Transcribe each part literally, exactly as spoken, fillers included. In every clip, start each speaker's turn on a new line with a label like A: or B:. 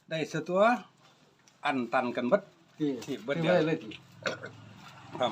A: ได้เสียตัวอันตันกันเบิด
B: ที่
A: ที่เบิด
B: ที่
A: เดียว
B: ไว้เลยที่
A: ครับ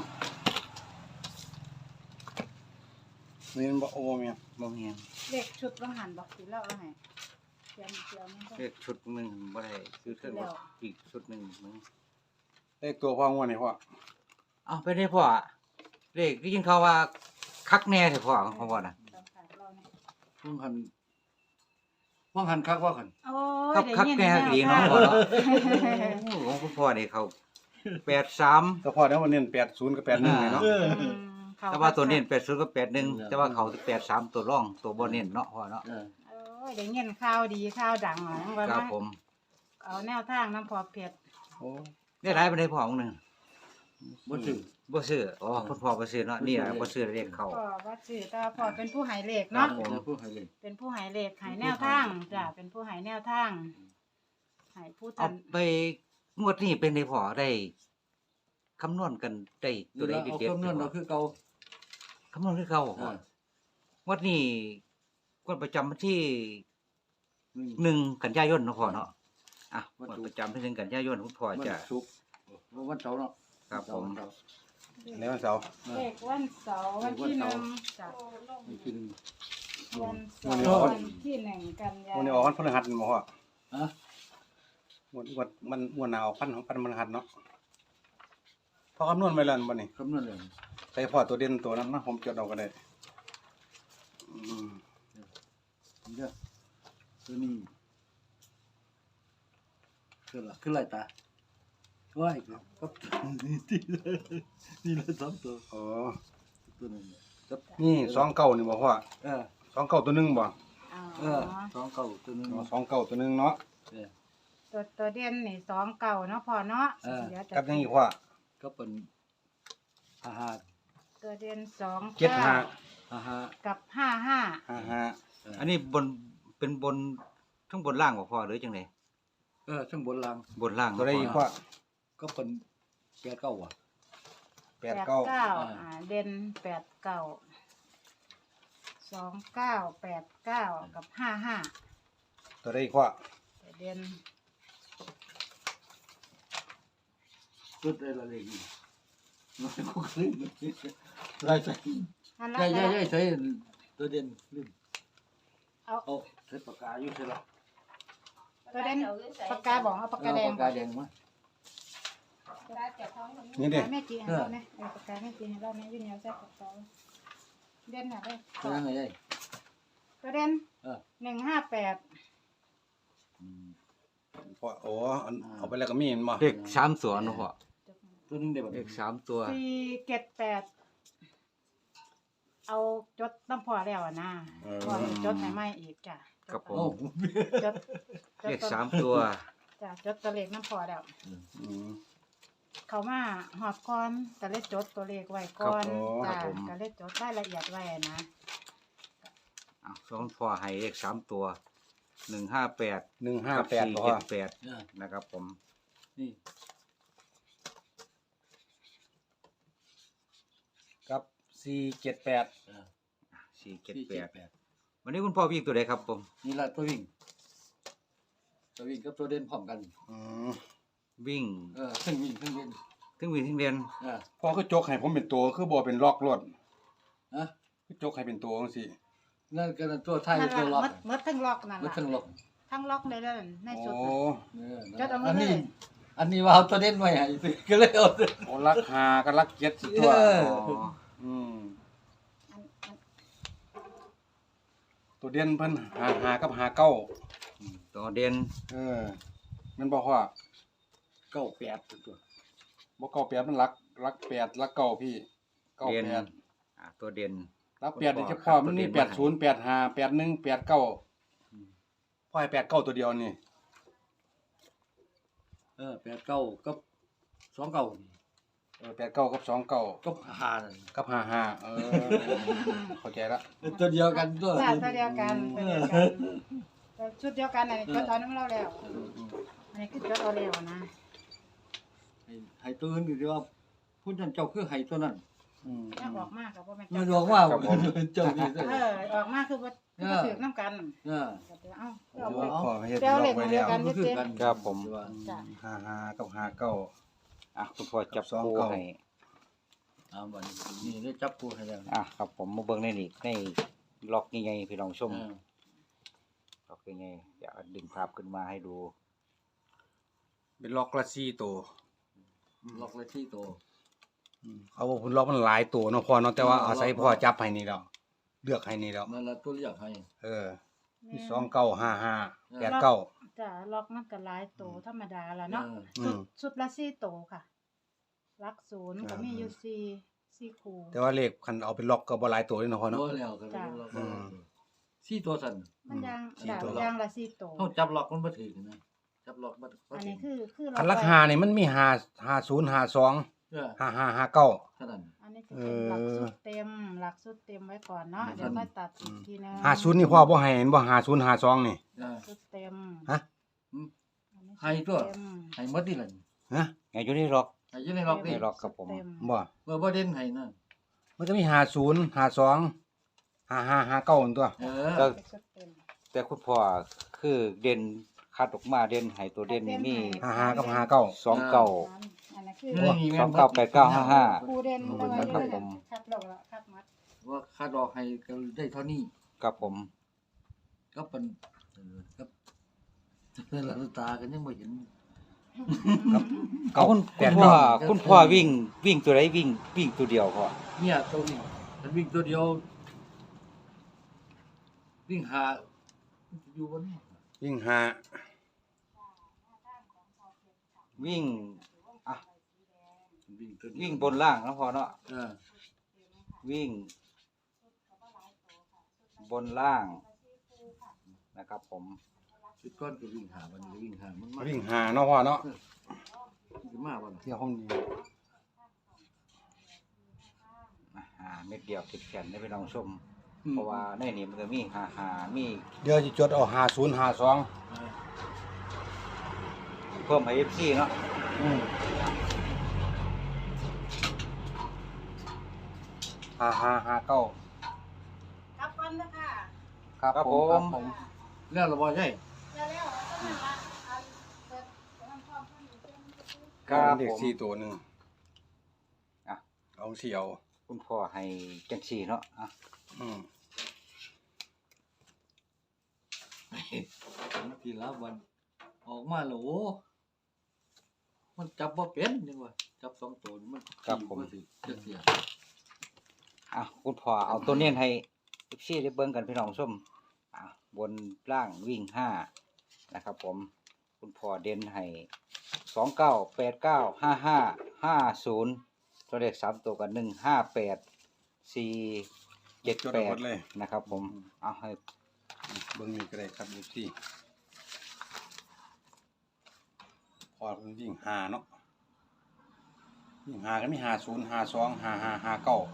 A: นี่มันบ่โอ้แม่น
C: บ่แม่น
D: เลขชุดว่าหันบอกสิแล้วเอาให้เตรียมเตรียมมันก็
C: เลขชุดหนึงบ่ได้ซื้อเทิงว่าอีกชุดหนึงมึง
A: เลขตัวพ่องวดนี่พ่อ
C: เอ้าไปได้พ่อเลขที่ยินเขาว่าคักแน่แท้พ่อของพ่อน่ะ
D: ต้องขายเราเนี่ย
B: พ่วงหันพ่วงหันคักว่าหัน
D: โอ้ย
C: คัก
D: ได้
C: คัก
D: ยิน
C: แน่
D: แล้ว
C: ดีเนาะ
D: ค่ะ
C: พ่อเนาะโอ้ของคุณพ่อนี่เขาแปดสาม
A: ก็พ่อเดี๋ยวมันเน้นแปดศูนย์กับแปดหนึ่งนี่เนาะ
B: เออ
D: อืมเขา
C: แต่ว่าตัวเน้นแปดศูนย์กับแปดหนึ่ง
B: เออ
C: แต่ว่าเขาแปดสามตัวร่องตัวบ่เน้นเนาะพ่อเนาะ
B: เออ
D: โอ้ยได้ยินข่าวดีข่าวดังหลังว่า
C: ครับ
D: มา
C: ผม
D: เอาแนวทางน้ำพอเพชร
A: โอ้
C: ได้หลายปานใดพ่อของหนึง
B: บ่ซื้อ
C: บ่ซื้ออ๋อคุณพ่อบ่ซื้อเนาะนี่แหละบ่ซื้อเลขเขา
D: พ่อว่าชื่อแต่ว่าพ่อเป็นผู้ใหายเลข
C: ครั
D: เนาะ
C: บผม
B: เดี๋ยวพูดให้เลย
D: เป็นผู้ใหายเลขใหายแนวทางจ้ะเป็นผู้ใหายแนวทางใหายผู้
C: เอา
D: ทัน
C: ไปงวดนี้เป็นได้พ่อได้คำนวณกันได้ตั
B: ตัว ว
C: ใด
B: ใด
C: เด็ด
B: เอา
C: ๆ
B: คำนวณเอาคือเก่า
C: คำนวณคือเก่า
B: เอ
C: พ่อ
B: อง
C: วดนี้งวดประจำวันที่
B: หนึ่ง
C: หนึ่งกันยายนเนาะพ่อเนาะอ่ะง
B: วั
C: วน ด
B: ศุกร์
C: ประจำที่หนึ่งกันยายนคุณพ่อ
B: วัน
C: จะ
B: ศุกร์วันเสาร์เนาะ
C: ครับผม
B: วันเสาร์
A: ในวันเสาร์
B: เอ
D: เล
B: อ
D: ขวันเสาร์วันที่หนึ่งจ้ะ
B: วันที่หนึ่ง
D: วันเสาร์วันที่หนึ่งกันยา
A: วันนี้ออกวันพฤหัสบ่พ่อ
B: ฮะ
A: งวดงวดมันงวดหน้าออกพันของพันพฤหัสเนาะพอคำนวณไว้แล้วบ่นี่
B: คำนวณเลย
A: ใส่พ่อตัวเด่นตัวนั้นนะผมจดเอาก็ได้อืม
B: เดี๋ยวตัวนี้คือละคือไรตาว้ายครับที่นี่ละสองตัว
A: อ๋อ
B: ตัวนึงครับ
A: นี่สองเก้านี่บ่พ่อ
B: เออ
A: สองเก้าตัวหนึงบ่
D: อ๋
B: เอ
D: อ
B: อสองเก้าตัวนึง
A: อ๋อสองเก้าตัวหนึงเนาะ
B: เออ
D: ตัวตัวเด่นนี่สองเก่าเนาะพอเนาะ
B: เออ
D: เดี๋ยวจะ
A: กับยังอีกพ่อ
B: ก็เป็นห้าห้า
D: ตัวเด่นสอง
A: เจ็ดห้า
B: ห้าห้า
D: กับห้าห้า
A: ห้าห้า
C: อันนี้บนเป็นบนทั้งบนล่างบ่พ่อหรือจังได
B: เออช่างบนราง
C: บนล่าง
A: ตัวได้อีกพ่อ
B: ก็เป็นแปดเก้าอ่ะ
A: แปดเก้า
D: อ่า
B: อ่า
D: เด่นแปดเก้าสองเก้าแปดเก้ากับห้าห้า
A: ตัวได้อีกพ่อ
D: ตัวเด่น
B: ชุดอะไรเลยนี่น้อยก็ขึ้นได้ใช่
D: อันละ
B: ใช่ใช่
D: นะ
B: ใช่ใช่ตัวเด่นลืม
D: เอา
B: เอาใช้ปากกาอยู่ใช่หรอ
D: ตัวเด่นปากกาบอกเอาปากกาแดง
B: ปากกาแดงมั้ย
A: นี่เด้
D: แม่จีให้เราเนี่ยเอาปากกาแม่จีให้เราเนี่ยยืนยาวใส่ปากกาเด่นอะไร
B: ตัวนั้นไง
D: ตัวเด่น
B: เออ
D: หนึ่งห้าแปด
A: พ่อโอ้อันเอาไปแล้วก็มีเห็นบ่
C: เลขสามตัวเนาะพ่อ
B: ตัวนึงได้แบบ
C: เลขสามตัว
D: สี่เจ็ดแปดเอาจดน้ำพอแล้วอะนะพอจดให้ไม่อีกจ้ะ
C: ครับผ
B: โอ้
C: ม
D: จดจด
C: เลข
D: ตัว
C: สามตัว
D: จ้ะจดตัวเลขน้ำพอแล้ว
A: อืม
D: เขามาหอบก่อนก็เลยจดตัวเลขไว้ก่อน
A: ครับ
D: จ้ะ
A: ผม
D: ก็เลยจดรายละเอียดไว้นะ
C: อ่ะสองพ่อให้เลขสามตัวหนึ่งห้าแปด
A: หนึ่งห้า
C: กับ
A: แปด
C: สี่
A: บ่
C: เจ็
A: พ่อ
C: ดแปด
B: เออ
C: นะครับผม
B: นี่
A: กับสี่เจ็ดแปด
B: เออ
C: สี่เจ็ด
B: ที่
C: แป
B: เจ็ด
C: ด
B: แปด
C: วันนี้คุณพ่อวิ่งตัวใดครับผม
B: นี่ละตัววิ่งตัววิ่งกับตัวเด่นพร้อมกัน
A: อืม
C: วิ่ง
B: เออทั้งวิ่งทั้งเด่น
C: ถึงวิ่งถึงเรียน
B: เออ
A: พ่อคือจกให้ผมเป็นตัวคือบ่เป็นล็อกรถ
B: ฮะ
A: คือจกให้เป็นตัวจังซี่
B: นั่นก็ตัวไทย
D: นั่น
B: ตัวล็อก
D: ละมดมดทั้งล็อกนั่น
B: มัน
D: ล่ะ
B: ทั้งล็อก
D: ทั้งล็อกเลยแล้วใน
A: โอ้
D: ชุด
B: เออ
D: จดเอามา
B: อันนี้
D: เลย
B: อันนี้ว่าเอาตัวเด่นไว้ให้สิก็เลยเอาตัว
A: โอ้รักหากับรักเจ็ดสิตัว
B: เออ
C: อ๋อ
A: อืม
D: อันอัน
A: ตัวเด่นเพิ่นหาหากับหาเก้า
C: อืมตัวเด่น
A: เออแมันบ่ว่า
B: เก้าแปดตัว
A: บ่เก้าแปดมันรักรักแปดรักเก้าพี่เก้า
C: เด่น
A: แปด
C: อ่ะตัวเด่น
A: รักแปดนี่
C: บ่
A: เฉ
C: ครั
A: พาะ
C: บ
A: มันมี
C: ตัวเด่น
A: แปดศูนย์แปดห้าแปดหนึ่งแปดเก้าพ่อให้แปดเก้าตัวเดียวนี่
B: เออแปดเก้ากับสองเก้านี่
A: เออแปดเก้ากับสองเก้า
B: กับห้านั่น
A: กับห้าห้าเออเข้าใจละ
B: ตัวเดียวกันตัว
D: จ้ะตัวเดียวกันตัวเดียวกันแต่ชุดเดียวกันอันนี้จดเอาน้ำเราแล้วอันนี้คือจดเอาแล้วนะ
B: ให้ให้ตัวอื่นอยู่ที่ว่าผู้นั้นเจ้าคือให้ตัวนั้น
A: อืม
D: ถ้าออกมากกับว่าแม่น
B: มัน
D: เจ้า
B: บอกว่า
A: ครับผม
B: เจ้านี่เด้อ
D: เออออกมากคือว่าคือบ่ถือน้ำกัน
B: เออ
D: ก็เดี๋ยวเอ้าเอา
A: โอ้
D: ไป
A: พอเฮ็ด
D: เดี๋ยว
A: ล็
D: เล
A: อก
D: ข
A: ไว้
D: มาเดี
A: แล้
D: ยว
A: ว
D: กัน
B: มันคือกัน
C: ครับผม
B: ว่า
D: จ้ะ
A: ห้าห้ากับห้าเก้า
C: อ่ะคุณพ่อจับ
A: สอง
C: คู่
A: เก้า
C: ให้
B: เอาบัดนี้นี่ได้จับปูให้แล้ว
C: อ่ะครับผมมาเบิ่งในนี่ในล็อกใหญ่ๆพี่น้องชม
B: เออ
C: ล็อกใหญ่ๆเดี๋ยวดึงภาพขึ้นมาให้ดู
A: เป็นล็อกละสี่ตัว
B: ล็อกเลยที่โต
A: อืมเอาว่าพุ่นล็อกมันหลายตัวเนาะพ่อเนาะแต่ว่าอาศัยพ่อจับให้นี่แล้วเลือกให้นี่แล้ว
B: นั่นละตัวเลือกให้
A: เออมีสองเก้าห้าห้าแปดเก้า
D: จ้ะล็อกมันก็หลายโตธรรมดาล่ะเนาะ
B: เออ
A: อื
D: ชุด
A: ม
D: ชุดละสี่โตค่ะลักศูนย์ก็มีอยู่สี่สี่คู่
A: แต่ว่าเลขคันเอาเป็นล็อกก็บ่หลายตัวเลยเนาะพ่อเนาะ
B: บ่แล้วก็เป็นล็อก
A: อืม
B: สี่ตัวสั่น
D: มันยาง
A: สี่
D: จ้ะ
A: ตัว
D: ยางละสี่โต
B: เฮาจับล็อกมันบ่ถึงนะจับล็อกบ่บ่
D: อัน
B: ถึ
D: นี้
B: ง
D: คือคือ
A: คัน
D: ไว้
A: ราคานี่มันมีห้าห้าศูนย์ห้าสอง
B: เออ
A: ห้าห้าห้าเก้า
B: เท่านั้น
D: อันนี้จะเป็นหลักสุดเต็มหลักสุดเต็มไว้ก่อนเนาะ
B: อืม
D: เดี๋ยวค่อยตัดอีกทีนึง
A: ห้าศูนย์นี่พ่อบ่ให้เห็นบ่ห้าศูนย์ห้าสองนี่
B: เออ
D: สุดเต็ม
A: ฮะ
B: อืม
D: อันนี้
B: ให้ตัว
D: เต็ม
B: ให้หมดนี่ล่ะ
A: ฮะ
C: ไงอยู่ในล็อก
B: ให้อยู่ในล็อก
C: ใน
B: นี่
C: ล็อกครับผม
D: เต็ม
A: บ่
B: เมื่อบ่เด่นให้นั่น
A: มันจะมีห้าศูนย์ห้าสองห้าห้าห้าเก้าตัว
B: เอ
C: ก็
B: อ
D: สุดเต็ม
C: แต่คุณพ่อคือเด่นคัดออกมาเด่นให้ตัวเด่นนี่มี
A: ห้าห้ากับห้าเก้า
C: สองเก้า
D: อันนั้นคือ
B: นี่นี่แม่น
C: สองเก้าแปดเก้าห้าห้า
D: ปูเด่นเอาไว้
C: ครับ
D: เลย
C: ผม
D: คัดลงแล้วคัดมัด
B: ว่าค่าดอกให้ก็ได้เท่านี้
C: ครับผม
B: ก็เป็นเออครับหลับตากันยังไม่เห็น
C: เอาคุณ
A: แป
C: คุณ
A: ด
C: พ่อ
A: เก้า
C: คุณพ่อวิ่งวิ่งตัวไหนวิ่งวิ่งตัวเดียวพ่อ
B: เนี่ยตัวนี้มันวิ่งตัวเดียว วิ่งหาอยู่บนนี้
A: ยิ่งห้า
C: วิ่งอ่ะ
B: วิ่งตัวเดียว
C: วิ่งบนล่างนะพ่อเนาะ
B: เออ
C: วิ่ง บนล่างนะครับผม
B: ชุดก้อนก็วิ่งหาวันนี้ก็วิ่งหามันมา
A: วิ่งห้าเนาะพ่อเนาะ
B: ขึ้นมาวัน
A: เที่ยวห้องดี
C: อ่าเม็ดเดียวติดแขนได้ไปลองชม เพราะว่าในนี้มันก็มีหาหามี
A: เดี๋ยวจะจดเอาห้าศูนย์ห้าสอง
B: เออ
C: เพิ่มให้ เอฟ ซี เนาะ
A: ห้าห้าห้าเก้า
D: ครับก่อนนะค่ะ
A: ครับผม
C: ผม
B: แล้วเราบอกใช่
D: แล้วแล้วเอาตัวนั้นละอันเปิดเดี๋ยวมันพร้อมเพิ่นอยู่เต็มอยู่เต็ม
C: ครับ
A: เด็ก
C: ผม
A: สี่ตัวหนึ่ง
C: อ่ะ
A: เอาเสี่ยว
C: คุณพ่อให้จังสี่เนาะอ่ะ
A: อืม
B: ทีละวัน ออกมาแล้วโอ้มันจับว่าเป็นยังวะจับสองตัวนี่มันถือเสียเสีย
C: อ่ะคุณพ่อเอาตัวเนียนให้ เอฟ ซี ได้เบิ่งกันพี่น้องชมอ่ะบนล่างวิ่งห้านะครับผม คุณพ่อเด่นให้สองเก้าแปดเก้าห้าห้าห้าศูนย์ตัวเลขสามตัวกันหนึ่งห้าแปดสี่เจ็ด
A: จด
C: แป
A: เอาหม
C: ด
A: ดเลย
C: นะครับผมเอาให้
A: เบิ้งนี่ก็ได้ครับดูสิพอมันวิ่งห้าเนาะวิ่งห้าก็มีห้าศูนย์ห้าสองห้าห้าห้าเก้า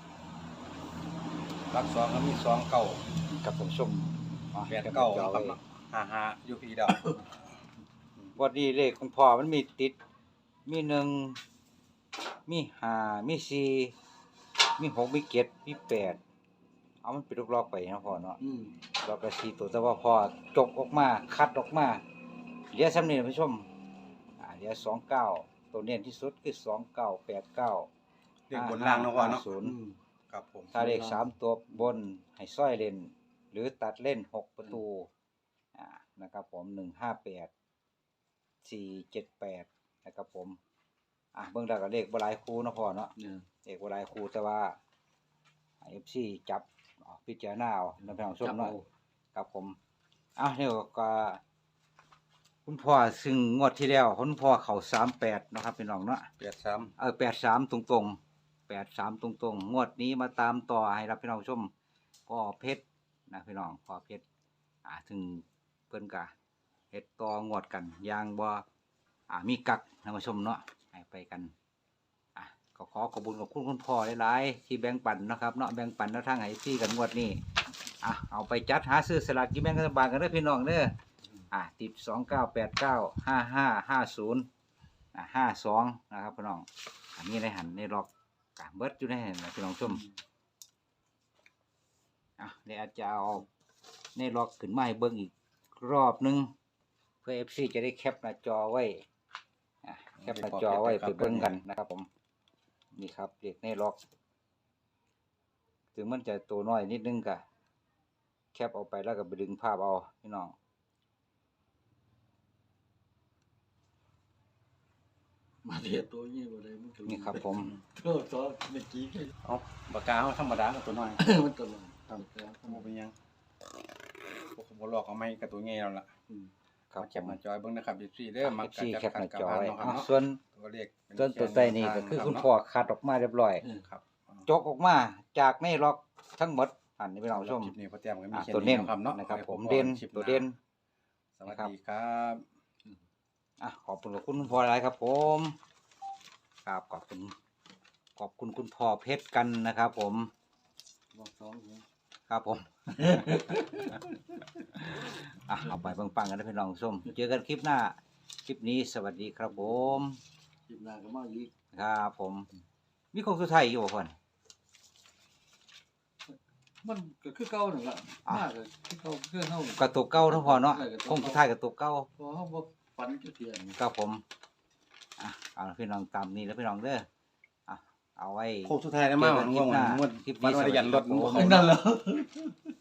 A: รักสองก็มีสองเก้า
C: กับผมชมอ่ะ
A: แปดเก้า
C: ดี๋ยว
A: ครับ
C: ไว้
A: เนาะห้าห้าอยู่พี่ดาว
C: วันนี้เลขคุณพ่อมันมีติด มีหนึ่งมีห้ามีสี่มีหกมีเจ็ดมีแปดเอามันเป็นลูกลอกไปนะพ่อเนาะ
B: อืม
C: ลอกละสี่ตัวแต่ว่าพอจกออกมาคัดออกมาเหลือซ้ำนี่ผู้ชมอ่าเหลือสองเก้าตัวเน้นที่สุดคือสองเก้าแปดเก้า
A: เลขบนล่างเนาะพ่อเนาะ
C: ศูนย์
B: อืม
A: ครับผม
C: ถ้าเลขสามตัวบนให้ซ้อยเล่น หรือตัดเล่นหกประตูอ่านะครับผมหนึ่งห้าแปดสี่เจ็ดแปดนะครับผมอ่ะเบิ่งได้กับเลขบหลายคู่เนาะพ่อเนาะ
B: เนี่ย
C: เลขบหลายคู่แต่ว่าเอฟซีจับเอาพิจารณาเอาในพี่น้องชม
B: จับ
C: เนาะ
B: เอา
C: ครับผมอ่ะเนี่ยก็คุณพ่อซึ่งงวดที่แล้วคุณพ่อเขาสามแปดนะครับพี่น้องเนาะ
A: แปดสาม
C: เออแปดสามตรงตรงแปดสามตรงตรงๆงวดนี้มาตามต่อให้รับพี่น้องชมพ่อเพชรนะพี่น้องพ่อเพชรอ่าถึงเพิ่นกะเฮ็ดต่องวดกันอย่างบ่อ่ามีกักท่านผู้ชมเนาะให้ไปกันอ่ะก็ขอขอบคุณขอบคุณคุณพ่อหลายๆที่แบ่งปันนะครับเนาะแบ่งปันแนวทางให้พี่กันงวดนี้อ่ะเอาไปจัดหาซื้อสลากกินแบ่งรัฐบาลกันเด้อพี่น้องเด้ออ่ะติดสองเก้าแปดเก้าห้าห้าห้าศูนย์อ่ะห้าสองนะครับพี่น้อง อันนี้ในหันในล็อกกะเบิดอยู่ในหันนะพี่น้องชมอ่ะเดี๋ยวอาจจะเอาในล็อกขึ้นมาให้เบิ่งอีกรอบหนึงเพื่อ เอฟ ซี จะได้แคปหน้าจอไว้อ่ะแคปหน้าจอไว้ไปเบิ่งกันนะครับผมนี่ครับเลขในล็อกถึงมันจะตัวน้อยนิดนึงก็แคปเอาไปแล้วก็ไปดึงภาพเอาพี่น้อง
B: มาเทียบตัวนี้บ่ได้มันก็
C: นี่ครับผม
B: โทษซอเมื่อกี้
A: เอาปากกาเฮาธรรมดากับตัวน้อย
B: มันตลอด
A: ครับบ่เป็นหยังพวกผมบ่ลอกเอาไม้กับตัวใหญ่แล้วล่ะ
B: อืม
C: ครับ
A: แคปหน้าจอยเบิ่งนะครับ เอฟ ซี เด้อมัก
C: เอฟ ซี
A: จัด
C: แคปหน้า
A: กับ
C: จอ
A: บ้าน
C: ไว้
A: เนาะครับ
C: อ่ะ
A: เนาะ
C: ส่วน
A: ตัวเลขเป็น
C: ส่วนตัวใต้นี่ก็คือคุณพ่อคัดออกมาเรียบร้อย
B: เออ
A: ครับ
C: จกออกมาจากในล็อกทั้งหมดอันนี้พี่น้องผู้ชม
A: คลิปนี้พ่อแต้มก็มี
C: อ่ะ
A: แค่
C: ตัวเน้น
A: ครับเนาะ
C: นะครับ
A: ไว้
C: ผม
A: พบ
C: เด่น
A: กัคลิปห
C: ตัวเด่น
A: สวัสดีครับ
C: อ่ะขอบคุณขอบคุณคุณพ่อหลายครับผมครับขอบคุณขอบคุณคุณพ่อเพชรกันนะครับ ผม
B: บอกสองหัว
C: ครับผม อ่ะเอาไปปังๆกันนะพี่น้องผู้ชมเจอกันคลิปหน้าคลิปนี้สวัสดีครับผม
B: คลิปหน้าก็มาอีก
C: ครับผม มีของสุดท้ายอยู่บ่พ่อน
B: มันก็คือเก่านั่นล่ะ
C: อ่ะ
B: มากก็คือเก่าคือเฮาก
C: ระตุกเก้าเนาะพ่อเนาะคงสุดท้ายกระตุกเก้า
B: พอเฮาบ่ฝันจักเที่ยนี่
C: ครับผมอ่ะเอาล่ะพี่น้องตามนี้แล้วพี่น้องเด้ออ่ะเอาไว้
A: โค้งสุดท้ายแล้วมั้ง
C: เจอกันคลิปหน้า
A: ง่วงๆ
C: คลิปนี้
A: วันวันยันรถ
C: สวัสดีครับผม
A: ง่วงๆ
B: นั่นแหล้ว